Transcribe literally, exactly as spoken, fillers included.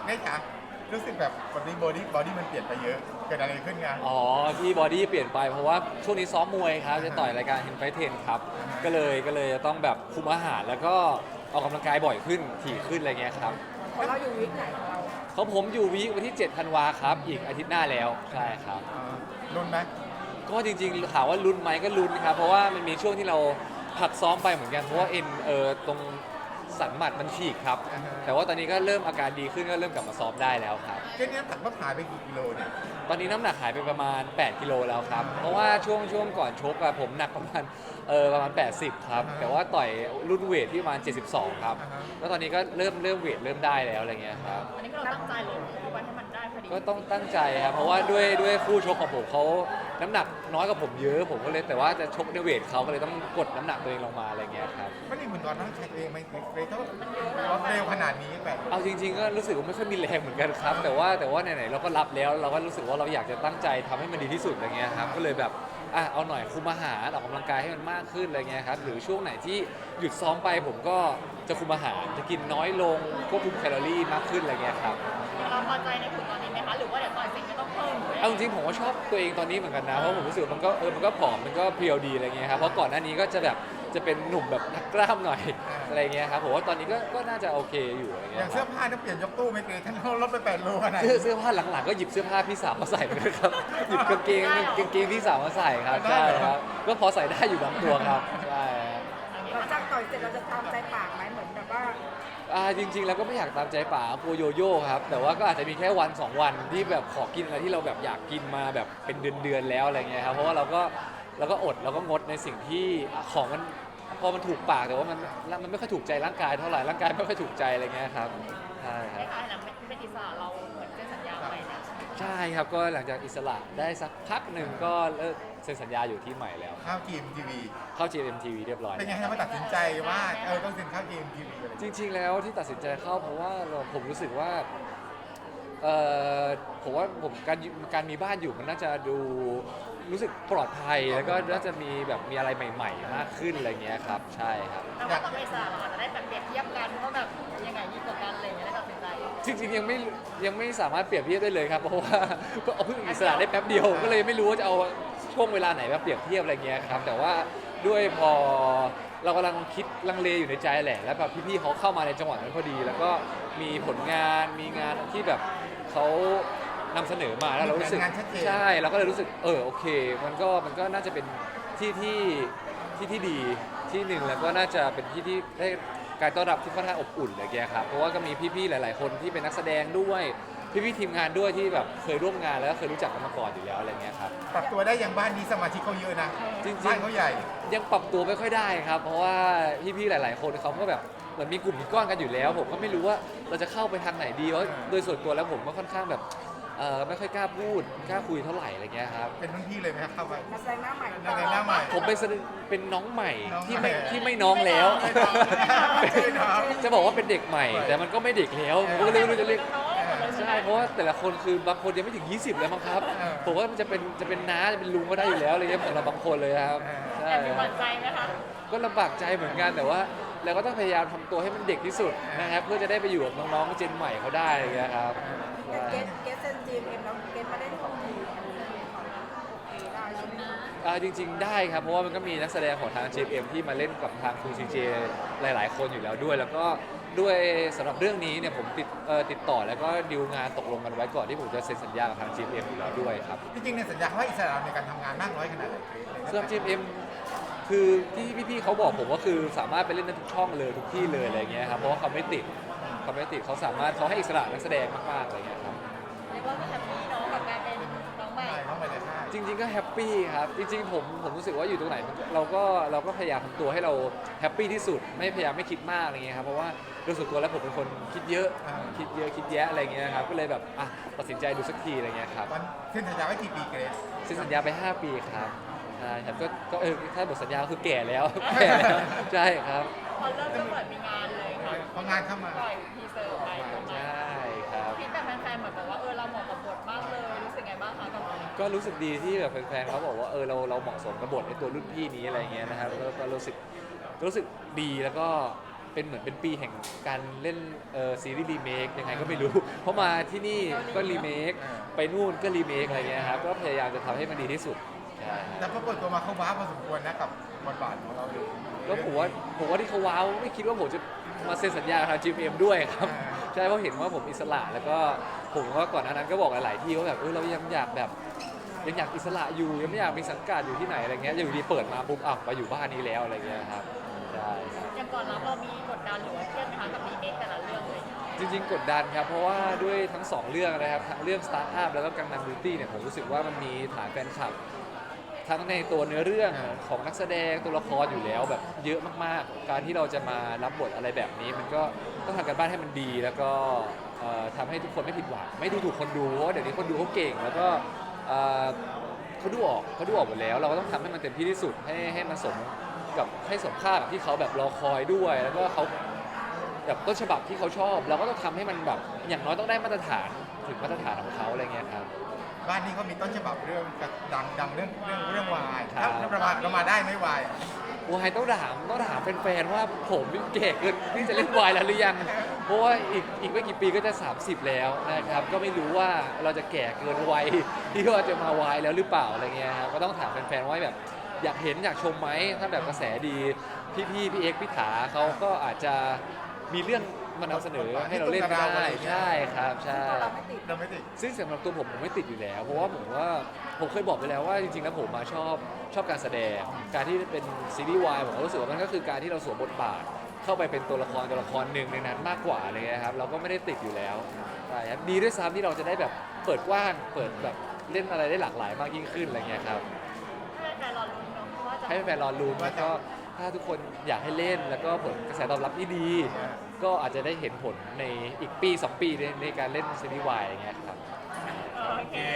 ได้ค่ะรู้สึกแบบบอดี้บอดี้บอดี้มันเปลี่ยนไปเยอะเกิดอะไรขึ้นงานอ๋อที่บอดี้เปลี่ยนไปเพราะว่าช่วงนี้ซ้อมมวยครับจะต่อยรายการ Hen Fight เทนครับก็เลยก็เลยจะต้องแบบคุมอาหารแล้วก็ออกกำลังกายบ่อยขึ้นถี่ขึ้นอะไรเงี้ยครับของเราอยู่วิกไหนของเราเขาผมอยู่วีควันที่เจ็ดธันวาครับอีกอาทิตย์หน้าแล้วใช่ครับอ่าลุ้นไหมก็จริงๆถามว่าลุ้นไหมก็ลุ้นครับเพราะว่ามันมีช่วงที่เราพักซ้อมไปเหมือนกันเพราะว่าเอ็นเออตรงสันหมัดมันฉีกครับแต่ว่าตอนนี้ก็เริ่มอาการดีขึ้นก็เริ่มกลับมาซ้อมได้แล้วครับเจ๊เนี้ยตักต้องหายไปกี่กิโลเนี่ยตอนนี้น้ำหนักหายไปประมาณแปดกิโลแล้วครับเพราะว่าช่วงช่วงก่อนชกอะผมหนักประมาณเออประมาณแปดสิบครับแต่ว่าต่อยรุ่นเวทที่ประมาณเจ็ดสิบสองครับแล้วตอนนี้ก็เริ่มเริ่มเวทเริ่มได้แล้วอะไรเงี้ยครับอันนี้ก็เราตั้งใจเลยเอาไว้ให้มันได้พอดีก็ต้องตั้งใจครับเพราะว่าด้วยด้วยคู่ชกของผมเขาน้ำหนักน้อยกว่าผมเยอะผมก็เลยแต่ว่าจะชกในเวทเขาก็เลยต้องกดน้ำหนักตัวเองลงมาอะไรเงี้ยครับไม่ได้เหมือนตอนนั้นใช้ตัวเองไหมเกรดเขารถเร็วขนาดนี้แบบเอาจริงๆก็รู้สึกว่าไม่ค่อยมีแรงเหมือนกันครับแต่ว่าแต่ว่าไหนๆเราก็รับแล้วเราก็รู้สึกว่าเราอยากจะตั้งใจทำให้มันดีที่สุดอะไรเงี้ยครับก็เลยแบบอ่ะเอาหน่อยคุมอาหารออกกำลังกายให้มันมากขึ้นอะไรเงี้ยครับหรือช่วงไหนที่หยุดซ้อมไปผมก็จะคุมอาหารจะกินน้อยลงควบคุมแคลอรี่มากขึ้นอะไรเงี้ยครับเราพอใจในผลตอนนี้ไหมคะหรือว่าเดี๋ยวต่อยเสร็จก็ต้องเพิ่มเอาจริงๆผมก็ชอบตัวเองตอนนี้เหมือนกันนะเพราะผมรู้สึกมันก็เออมันก็ผอมมันก็เพรียวดีอะไรเงี้ยครับเพราะก่อนหน้านี้ก็จะแบบจะเป็นหนุ่มแบบนักกล้ามหน่อยอะไรเงี้ยครับผมว่าตอนนี้ก็ก็น่าจะโอเคอยู่อะไรอเงี้ย่างยเสื้อผ้าต้องเปลี่ยนยกตู้ไม่เกรดท่านลดไปแปดโลขนาดเสื้อเสื้อผ้าหลังๆก็หยิบเสื้อผ้าพี่สาวมาใส่เหมือนกันครับหยิบกางเกงกางเกงพี่สาวมาใส่ครับใช่ครับก็พอใส่ได้อยู่บางตัวครับใช่หลังจากต่อยเสร็จเราจะตามใจปากไหมเหมือนแบบว่าอ่าจริงๆแล้วก็ไม่อยากตามใจป๋าโกโยโย่ครับแต่ว่าก็อาจจะมีแค่วันสองวันที่แบบขอกินอะไรที่เราแบบอยากกินมาแบบเป็นเดือนๆแล้วอะไรเงี้ยครับเพราะว่าเราก็เราก็อดเราก็งดในสิ่งที่ของมันพอมันถูกปากแต่ว่ามันมันไม่ค่อยถูกใจร่างกายเท่าไหร่ร่างกายไม่ค่อยถูกใจอะไรเงี้ยครับใช่ครับคล้ายๆหลังเป็นอิสระเราเหมือนเซ็นสัญญาไปนะใช่ครับก็หลังจากอิสระได้สักพักหนึ่งก็เลิกเซ็นสัญญาอยู่ที่ใหม่แล้วข้าวจีมทีวีเข้า จี เอ็ม ที วี เรียบร้อยเป็นไงทำไมตัดสินใจว่าเออต้องเซ็นข้าวจีมทีวีเลยจริงๆแล้วที่ตัดสินใจเข้าเพราะว่าเราผมรู้สึกว่าเออผมว่าผมการการมีบ้านอยู่มันน่าจะดูรู้สึกปลอดภัยแล้วก็น่าจะมีแบบมีอะไรใหม่ๆมากขึ้นอะไรเงี้ยครับใช่ครับแต่ว่าตอนเป็นอิสระเราอาจจะได้แบบเปรียบเทียบกันว่าแบบยังไงยิ่งกว่ากันอะไรอย่างเงี้ยได้ตัดสินใจจริงๆยังไม่ยังไม่สามารถเปรียบเทียบได้เลยครับเพราะว่าก็เอาเพิ่งอิสระได้แป๊บเดียวก็เลยไม่รู้ว่าจะเอาช่วงเวลาไหนมาเปรียบเทียบอะไรเงี้ยครับแต่ว่าด้วยพอเรากำลังคิดลังเลอยู่ในใจแหละแล้วแบบพี่ๆเขาเข้ามาในจังหวะนั้นพอดีแล้วก็มีผลงานมีงานที่แบบเขานำเสนอมาแล้วเรารู้สึกใช่เราก็เลยรู้สึกเออโอเคมันก็มันก็น่าจะเป็นที่ที่ที่ที่ดีที่หนึ่งแล้วก็น่าจะเป็นที่ที่ได้การต้อนรับที่ค่อนข้างอบอุ่นอะไรเงี้ยครับเพราะว่าก็มีพี่ๆหลายๆคนที่เป็นนักแสดงด้วยพี่ๆทีมงานด้วยที่แบบเคยร่วมงานแล้วก็เคยรู้จักกันมาก่อนอยู่แล้วอะไรเงี้ยครับปรับตัวได้อย่างบ้านนี้สมาชิกเขาเยอะนะจริงๆบ้านเขาใหญ่ยังปรับตัวไม่ค่อยได้ครับเพราะว่าพี่ๆหลายๆคนเขาก็แบบเหมือนมีกลุ่มมีก้อนกันอยู่แล้วผมก็ไม่รู้ว่าเราจะเข้าไปทางไหนดีเพราะโดยส่วนตัวแล้วผมก็ค่อนข้างแบบเออไม่ค่อยกล้าพูดกล้าคุยเท่าไหร่อะไรเงี้ยครับเป็นรุ่นพี่เลยไหมครับเข้าไปนักแสดงหน้าใหม่นักแสดงหน้าใหม่ผมเป็นเป็นน้องใหม่ที่ไม่ที่ไม่น้องแล้วจะบอกว่าเป็นเด็กใหม่แต่มันก็ไม่เด็กแล้วผมก็เลยไม่รู้จะเรียกใช่เพราะว่าแต่ละคนคือบางคนยังไม่ถึงยี่สิบเลยมั้งครับผมว่ามันจะเป็นจะเป็นน้าจะเป็นลุงก็ได้อยู่แล้วอะไรเงี้ยสำหรับบางคนเลยครับใช่แต่มีหวั่นใจไหมคะก็ลำบากใจเหมือนกันแต่ว่าเราก็ต้องพยายามทำตัวให้มันเด็กที่สุดนะครับเพื่อจะได้ไปอยู่กับน้องๆเจนใหม่เขาได้อะไรเงี้ยครับเกสเกสเซนจีเอ็มแล้วเกสมาได้ของทีได้ใช่ไหมอ่าจริงๆได้ครับเพราะว่ามันก็มีนักแสดงของทาง จี เอ็ม ที่มาเล่นกับทางทู ซี เจ หลายๆคนอยู่แล้วด้วยแล้วก็ด้วยสำหรับเรื่องนี้เนี่ยผมติดเอ่อติดต่อแล้วก็ดีลงานตกลงกันไว้ก่อนที่ผมจะเซ็นสัญญากับทาง จี เอ็ม อยู่แล้วด้วยครับจริงๆในสัญญาเขาให้อิสระในการทำงานมากน้อยขนาดไหนสำหรับ จี เอ็ม คือที่พี่ๆเขาบอกผมว่าคือสามารถไปเล่นได้ทุกช่องเลยทุกที่เลยอะไรเงี้ยครับเพราะว่าเขาไม่ติดเขาไม่ติดเขาสามารถเขาให้อิสระนักแสดงมากๆอะไรเงี้ยครับเรียกว่าก็แฮปปี้เนาะกับการเป็นน้องใหม่น้องใหม่เลยจริงๆก็แฮปปี้ครับจริงๆผมผมรู้สึกว่าอยู่ตรงไหนเราก็เราก็พยายามทำตัวให้เราแฮปปี้ที่สุดไม่พยายามไม่คิดมากอะไรเงี้ยครับเพราะว่าโดยส่วนตัวแล้วผมเป็นคนคิดเยอะคิดเยอะคิดแยะอะไรเงี้ยครับก็เลยแบบอ่ะตัดสินใจดูสักทีอะไรเงี้ยครับเซ็นสัญญาไว้กี่ปีเกรซเซ็นสัญญาไปห้าปีครับใช่ครับก็ก็เออถ้าบทสัญญาคือแก่แล้วแก่แล้วใช่ครับพอเริ่มก็เปิดมีงานเลยค่ะพองานเข้ามาปล่อยทีเซอร์ไปใช่ครับฟีดแบ็กแฟนๆเหมือนบอกว่าเออเราเหมาะกับบทมากเลยรู้สึกไงบ้างคะกับก็รู้สึกดีที่แบบแฟนๆเขาบอกว่าเออเราเราเหมาะสมกับบทในตัวรุ่นพี่นี้อะไรเงี้ยนะครับแล้วก็รู้สึกรู้สึกดีแล้วก็เป็นเหมือนเป็นปีแห่งการเล่นเอ่อซีรีส์รีเมคยังไงก็ไม่รู้ เพราะมาที่นี่ก็รีเมคไปนู่นก็รีเมคอะไรเงี้ยครับก็พยายามจะทำให้มันดีที่สุดใช่แต่พอเปิดตัวมาเขาว้าวพอสมควรนะกับบทบาทของเราเลยก็ผมว่าผมว่าที่เขาว้าวไม่คิดว่าผมจะมาเซ็นสัญญากับทาง จี เอ็ม ด้วยครับ ใช่เพราะเห็นว่าผมอิสระแล้วก็ผมว่าก่อนหน้านั้นก็บอกหลายๆที่ว่าแบบเออเรายังอยากแบบยังอยากอิสระอยู่ยังไม่อยากมีสังกัดอยู่ที่ไหนอะไรเงี้ยอยู่ดีเปิดมาปุ๊บอ่ะมาอยู่บ้านนี้แล้วอะไรเงี้ยครับใช่ครับอย่างก่อนรับเรามีกดดันหรือว่าเครียดไหมคะกับรีเมคแต่ละเรื่องเลยจริงๆกดดันครับเพราะว่าด้วยทั้งสองเรื่องนะครับทั้งเรื่องสตาร์ทอัพแล้วก็กังนัมบิวตี้เนี่ยผมรู้สึกว่ามันมีฐานแฟนคลับ ทั้งในตัวเนื้อเรื่องของนักแสดงตัวละครอยู่แล้วแบบเยอะมากๆ การที่เราจะมารับบทอะไรแบบนี้ มันก็ต้องทำกันบ้านให้มันดี แล้วก็เอ่อทำให้ทุกคนไม่ผิดหวังไม่ดูถูกคนดูเพราะว่าเดี๋ยวนี้คนดูเขาเก่ง แล้วก็เอ่อเขาดูออกเขาดูออกหมดแล้ว เราก็ต้องทำให้มันเต็มที่ที่สุดให้ให้มันสมกับให้สมค่ากับที่เขาแบบรอคอยด้วย แล้วก็เขาแบบต้นฉบับที่เขาชอบ เราก็ต้องทำให้มันแบบอย่างน้อยต้องได้มาตรฐานถึงมาตรฐานของเขาอะไรเงี้ยครับบ้านนี้เขามีต้นฉบับเรื่องดังดังเรื่องเรื่องเรื่องวายครัถ้าบถ้าประมาณเรามาได้ไหม่วายวายต้องถามต้องถามแฟนๆว่าผมแก่เกินที่จะเล่นวายแล้วหรือยัง เพราะว่าอีกอีกไม่กี่ปีก็จะ สามสิบ แล้วนะครับ ก็ไม่รู้ว่าเราจะแก่เกินวัยที่เราจะมาวายแล้วหรือเปล่าอะไรเงี้ยครับก็ต้องถามแฟนๆว่าแบบอยากเห็นอยากชมไหมถ้าแบบกระแสดีพี่ๆพี่เอ็กซ์พี่ถาเขาก็อาจจะมีเรื่องมานำเสนอให้เราเล่นก็ได้ใช่ครับใช่ตัวเราไม่ติดเราไม่ติดซึ่งสำหรับตัวผมผมไม่ติดอยู่แล้ว เพราะว่าผมว่าผมเคยบอกไปแล้วว่าจริงๆแล้วผมมาชอบชอบการแสดง การที่เป็นซีรีส์วายผมก็รู้สึกว่ามันก็คือการที่เราสวมบทบาท เข้าไปเป็นตัวละครตัวละครหนึ่งในนั้นมากกว่าอะไรเงี้ยครับเราก็ไม่ได้ติดอยู่แล้วใช่ครับดีด้วยซ้ำที่เราจะได้แบบเปิดกว้างเปิดแบบเล่นอะไรได้หลากหลายมากยิ่งขึ้นอะไรเงี้ยครับให้แฟนรอลุ้นเนาะว่าจะให้แฟนๆรอลุ้นแล้วก็ถ้าทุกคนอยากให้เล่นแล้วก็ผลกระแสตอบรับที่ดี ก็อาจจะได้เห็นผลในอีกปีสองปีในในการเล่นซีรีส์วายอย่างเงี้ยครับโอเค